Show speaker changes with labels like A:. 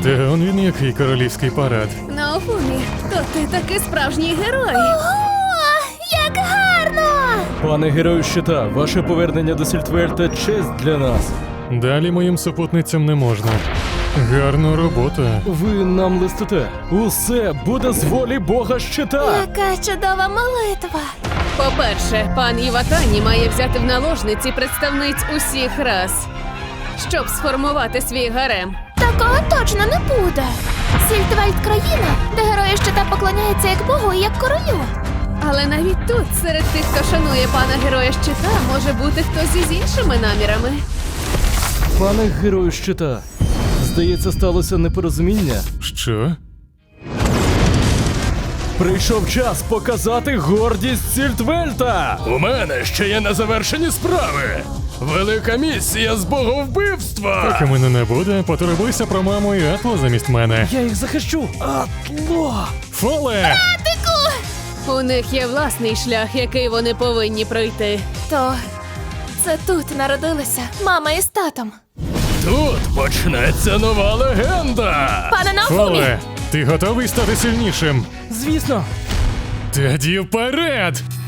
A: Та он він який королівський парад.
B: Наофумі, то ти таки справжній герой.
C: Ого, як гарно!
D: Пане герою щита, ваше повернення до Сільтвельта – честь для нас.
A: Далі моїм супутницям не можна. Гарна робота.
D: Ви нам листите. Усе буде з волі Бога щита.
C: Яка чудова молитва!
B: По-перше, пан Іватані має взяти в наложниці представниць усіх рас, щоб сформувати свій гарем.
C: Такого точно не буде. Сільтвельт – країна, де герої щита поклоняються як Богу і як королю.
B: Але навіть тут, серед тих, хто шанує пана героя щита, може бути хтось із іншими намірами.
D: Пане герою щита, здається, сталося непорозуміння.
A: Що?
D: Прийшов час показати гордість Сільтвельта! У мене ще є незавершені справи! Велика місія з боговбивства!
A: Поки мене не буде, потурбуйся про маму і Атло замість мене.
D: Я їх захищу! Атло!
A: Фоле!
B: У них є власний шлях, який вони повинні пройти.
C: То це тут народилися мама із татом.
D: Тут почнеться нова легенда!
C: Пане Наофумі!
A: Фоле! Ти готовий стати сильнішим?
D: Звісно!
A: Тоді вперед!